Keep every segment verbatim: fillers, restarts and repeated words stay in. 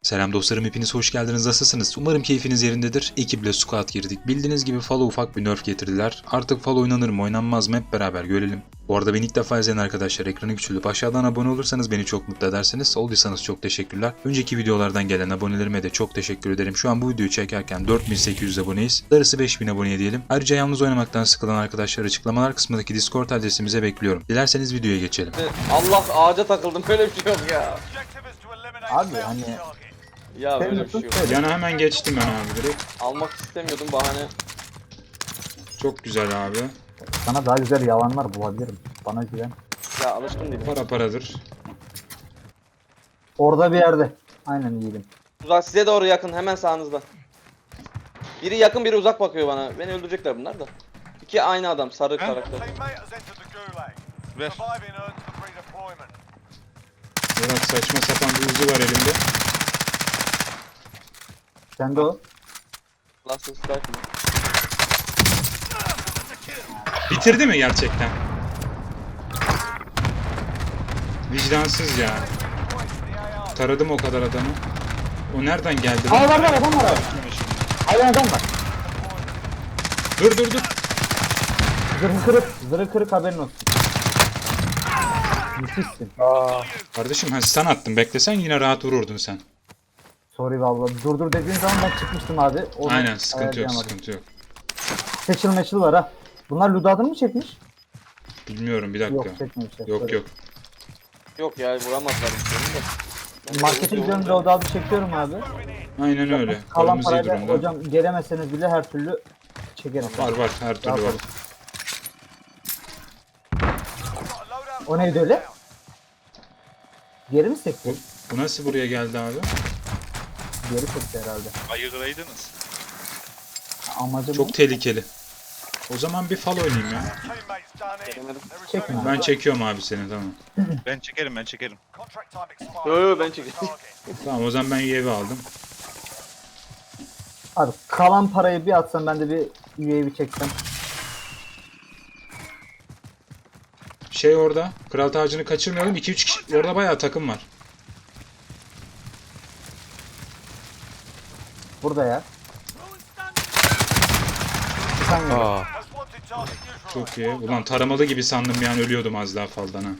Selam dostlarım, hepiniz hoş geldiniz. Nasılsınız? Umarım keyfiniz yerindedir. Ekiple squad girdik. Bildiğiniz gibi F A L'o ufak bir nerf getirdiler. Artık F A L oynanır mı oynanmaz mı hep beraber görelim. Bu arada beni ilk defa izleyen arkadaşlar ekranı küçülüp aşağıdan abone olursanız beni çok mutlu edersiniz. Olduysanız çok teşekkürler. Önceki videolardan gelen abonelerime de çok teşekkür ederim. Şu an bu videoyu çekerken dört bin sekiz yüz aboneyiz. Darısı beş bin aboneye diyelim. Ayrıca yalnız oynamaktan sıkılan arkadaşlar açıklamalar kısmındaki Discord adresimize bekliyorum. Dilerseniz videoya geçelim. Allah, ağaca takıldım, böyle bir şey yok ya. Abi hani Ya böyle bir şey yok. Yana hemen geçtim ben abi direkt. Almak istemiyordum, bahane. Çok güzel abi. sana daha güzel yalanlar bulabilirim. Bana güven. Ya alışkın değilim. Para paradır. Orada bir yerde. Aynen yiyelim. Uzak, size doğru yakın, hemen sağınızda. Biri yakın, biri uzak bakıyor bana. Beni öldürecekler bunlar da. İki aynı adam, sarı karakter. Ver. Biraz saçma sapan bir uzi var elimde. Sen de o. Last strike mı? Bitirdi mi gerçekten? Vicdansız ya. Taradım o kadar adamı. O nereden geldi Aa lan? var var adam var abi. Hayvan adam var. Dur dur dur. Zırhı kırık. Zırhı kırık, haberin olsun. Müthişsin. Aa. Kardeşim ha sen attın. Beklesen yine rahat vururdun sen. Sorry vallahi. Dur dur dediğin zaman ben çıkmıştım abi. Onu Aynen sıkıntı yok ayarlayamadım. sıkıntı yok. Seçil meçil var ha. Bunlar Ludad'ın mı çekmiş? Bilmiyorum bir dakika. Yok çekmemişler. Yok Sorry. yok. Yok ya, vuramazlar hiçbirini de. Ben Markete de gidiyorum, vuruyorum. Ludad'ı çekiyorum abi. Aynen öyle. Kalan Paramız iyi parayla durumda. hocam gelemeseniz bile her türlü çekerim. Var var her türlü var. Yaparım. O neydi öyle? Geri mi sekti? Bu, bu nasıl buraya geldi abi? Geri sekti herhalde. Ayıklaydınız. Amacım Çok tehlikeli. O zaman bir fal oynayayım ya. Çekme. Ben çekiyorum abi seni tamam. Ben çekerim ben çekerim. Yo yo, ben çekeceğim. Tamam o zaman ben U A V aldım. Abi kalan parayı bir atsam ben de bir U A V çeksem. Şey orada. Kral tacını kaçırmayalım. iki üç kişi. Orada bayağı takım var. Burada ya. Sen gel. Çok iyi. Ulan taramalı gibi sandım yani ölüyordum az daha faldan ha.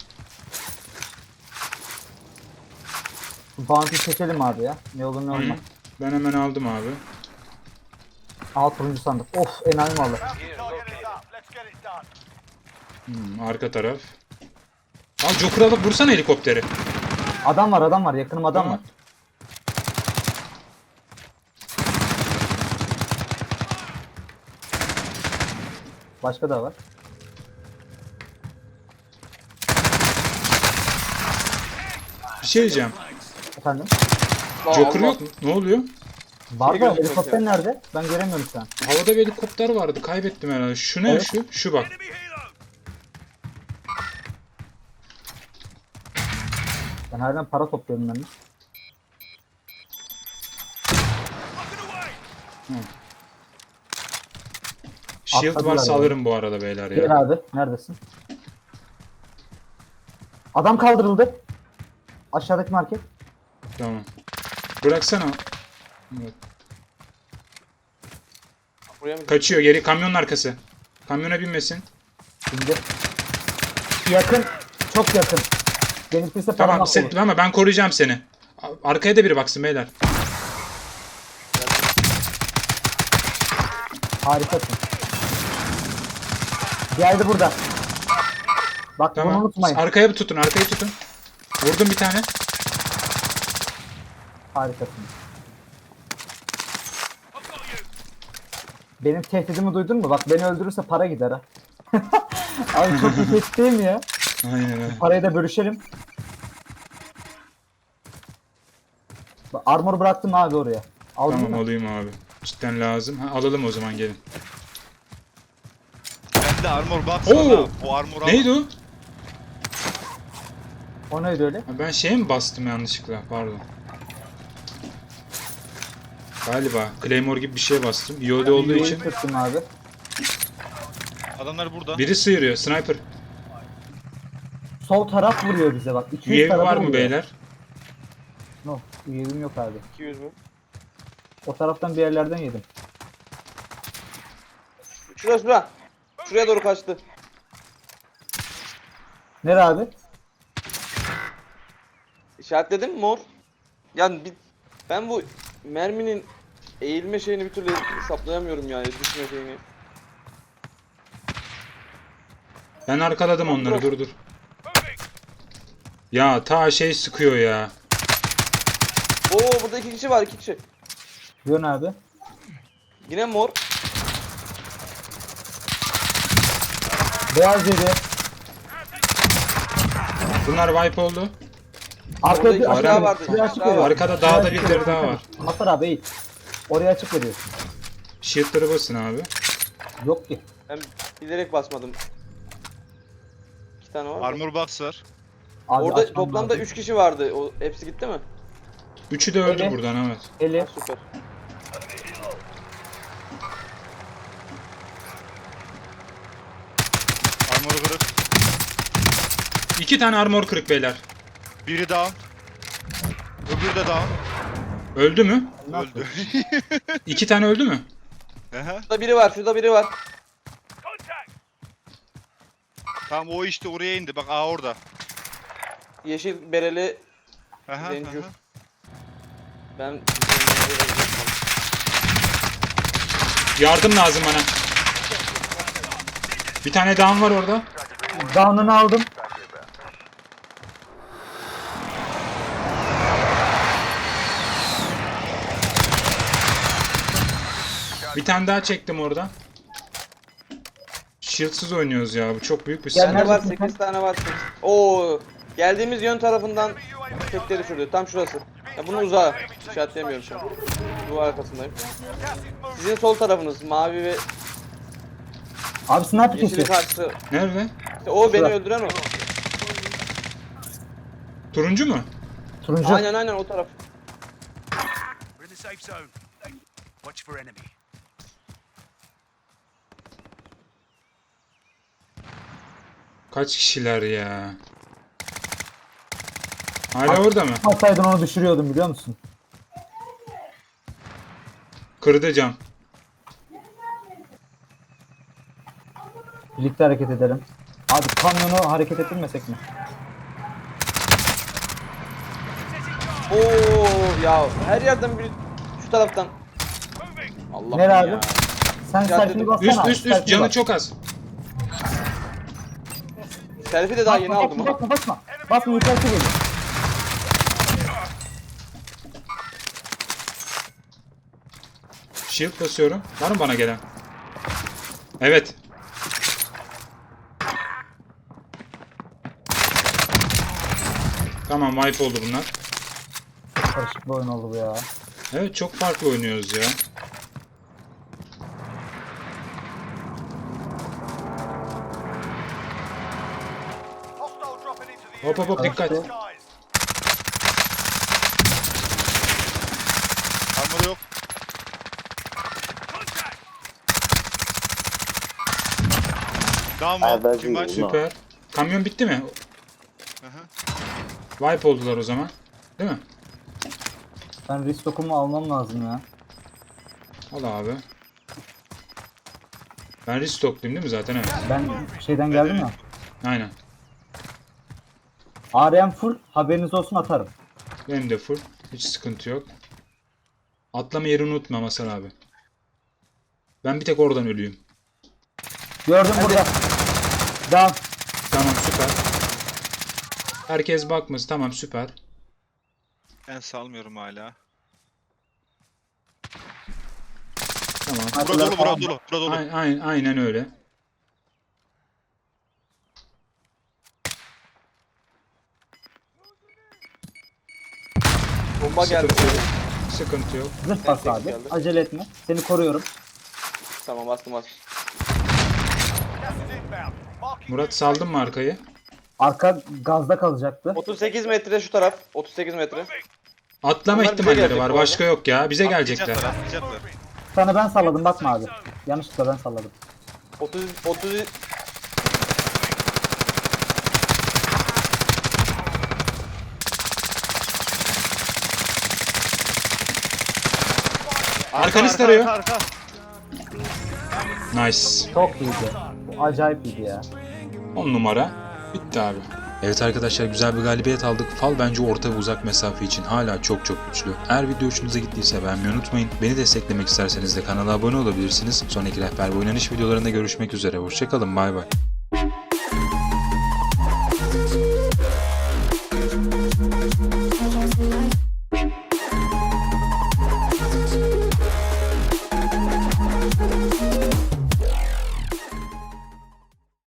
Bounty çekelim abi ya. Ne olur ne Hı. olmaz. Ben hemen aldım abi. Alt turuncu sandık. Of, enayi malı. Hmm, arka taraf. Al Joker alıp vursana helikopteri. Adam var adam var. Yakınım adam Tamam. var. Başka da var. Bir şey diyeceğim. Efendim? Joker Allah. yok mu? Ne oluyor? Var da gözükmüyor helikopter ya. nerede? Ben göremiyorum şu an. Havada bir helikopter vardı. Kaybettim herhalde. Şu ne Evet. şu? Şu bak. Ben halen para topluyorum ben de. Shield Atladılar varsa yani. alırım bu arada beyler Gel ya. abi. Neredesin? Adam kaldırıldı. Aşağıdaki market. Tamam. Bıraksana. Evet. Buraya mı? Kaçıyor geri kamyonun arkası. Kamyona binmesin. Şimdi. Yakın. Çok yakın. Benimkisi Tamam parmak sen, olur. ama ben koruyacağım seni. A- Arkaya da biri baksın beyler. Harikasın. Geldi burada. Bak bunu Tamam. unutmayın. Arkaya bir tutun, arkayı tutun. Vurdum bir tane. Harikasın. Benim tehdidimi duydun mu? Bak beni öldürürse para gider ha. Abi çok iyi tehdit değil mi ya? Aynen öyle. Parayı da bölüşelim. Bak, armor bıraktım abi oraya. Aldın Tamam mı? alayım abi. Cidden lazım. Ha, alalım o zaman gelin. Ben de armor box Oo! var ha. Bu armor Neydi o? O neydi öyle? Ha, ben şeye mi bastım yanlışlıkla? Pardon. Galiba Claymore gibi bir şey bastım. Yolda olduğu için. Tuttum abi. Adamlar burada. Biri sıyırıyor. Sniper. Sol taraf vuruyor bize bak. iki U A V tarafa var mı vuruyor. beyler? No. Yedim yok abi. iki yüz mü? O taraftan bir yerlerden yedim. Şura şura. Şuraya doğru kaçtı. Nere abi? İşaretledin mi mor? Yani bir, ben bu merminin eğilme şeyini bir türlü hesaplayamıyorum yani düşme şeyini. Ben arkaladım onları, dur dur. Ya ta şey sıkıyor ya. Oo burada iki kişi var iki kişi. Yön abi. Yine mor. Beyaz yedi. Bunlar wipe oldu. Arkada Orada bir iki açık daha veriyor. vardı, Şuraya iki açık daha veriyor. var. Arkada Şuraya dağda açık birileri veriyor. daha var. Masar abi eğil. Oraya açık veriyor. Shield'ları basın abi. Yok ki. Ben bilerek basmadım. İki tane var. da. Armor box var. Abi Orada açmam toplamda lazım. üç kişi vardı. O hepsi gitti mi? Üçü de öldü Evet. buradan, evet. Eli. Ha, süper. Armor kırık. İki tane armor kırık beyler. Biri down. Öbürü de down. Öldü mü? Öldü. İki tane öldü mü? Aha. Şurada biri var. Şurada biri var. Tamam o işte oraya indi. Bak aa orada. Yeşil bereli Aha, Zencur. aha. ben Yardım lazım bana. Bir tane down var orada. Down'unu aldım. Bir tane daha çektim orada. Shield'sız oynuyoruz ya. Bu çok büyük bir Gel, sıkıntı. bende var neredesin sekiz tane var. Oo geldiğimiz yön tarafından tekleri düşürdü. Tam şurası. Ya bunu uzağa işaretleyemiyorum şu an. Duvar arkasındayım. Sizin sol tarafınız mavi ve Abi sniper yeşili kesiyor. karşısı. Nerede? İşte o beni Şurada. öldüren o. Turuncu mu? Turuncu. Aynen aynen o taraf. We're in the safe zone. Watch for enemy. Kaç kişiler ya? Hala orada mı? Atsaydın onu düşürüyordum biliyor musun? Kırdı cam. Birlikte hareket edelim. Abi kamyonu hareket ettirmesek mi? Oo ya her yerden bir şu taraftan. Allah Nere abi? ya. Sen Caddede- selfie'ni bassana Üst abi. üst üst selfie'ni canı bas. çok az. Selfie de daha Basma, yeni aldım basma, ha. basma basma. Basma yukarısı geliyor. Shield basıyorum. Var mı bana gelen? Evet. Tamam, wipe oldu bunlar. Karışık bir oyun oldu bu ya. Evet, çok farklı oynuyoruz ya. Hostile dropping into the Hop hop hop, dikkat. Guys. Armor yok. Down var. Kim var? Süper. Kamyon bitti mi? Aha. Wipe oldular o zaman. Değil mi? Ben restock'umu almam lazım ya. Al abi. Ben restock'luyum değil mi zaten? Evet. Ben şeyden geldim ya. Aynen. A R M full, haberiniz olsun atarım. Benim de full. Hiç sıkıntı yok. Atlama yerini unutma Masar abi. Ben bir tek oradan ölüyüm. Gördüm burada. Down. Tamam, süper. Herkes bakmış. Tamam, süper. Ben salmıyorum hala. Tamam. Bura dolu, bura dolu, bura dolu. Aynen, aynen, aynen öyle. Bomba geldi. Sıkıntı yok. Sıkıntı yok. Zırh bas abi. geldi. Acele etme. Seni koruyorum. Tamam bastım bastım. Gas is inbound. Marking Murat, saldın mı arkayı? Arka gazda kalacaktı. otuz sekiz metre şu taraf. otuz sekiz metre. Atlama Onlar bize ihtimalleri gelecek var. bu arada. Başka yok ya. Bize gelecekler. Atlayacaklar, atlayacaklar. Sana ben salladım bakma abi. Yanlışlıkla ben salladım. otuz otuz Arkanız arka, tarıyor. arka, arka. Nice. Çok iyiydi. Bu acayip iyiydi ya. on numara. Bitti abi. Evet arkadaşlar, güzel bir galibiyet aldık. Fal bence orta ve uzak mesafe için hala çok çok güçlü. Eğer video hoşunuza gittiyse beğenmeyi unutmayın. Beni desteklemek isterseniz de kanala abone olabilirsiniz. Sonraki rehber ve oynanış videolarında görüşmek üzere. Hoşçakalın, bay bay.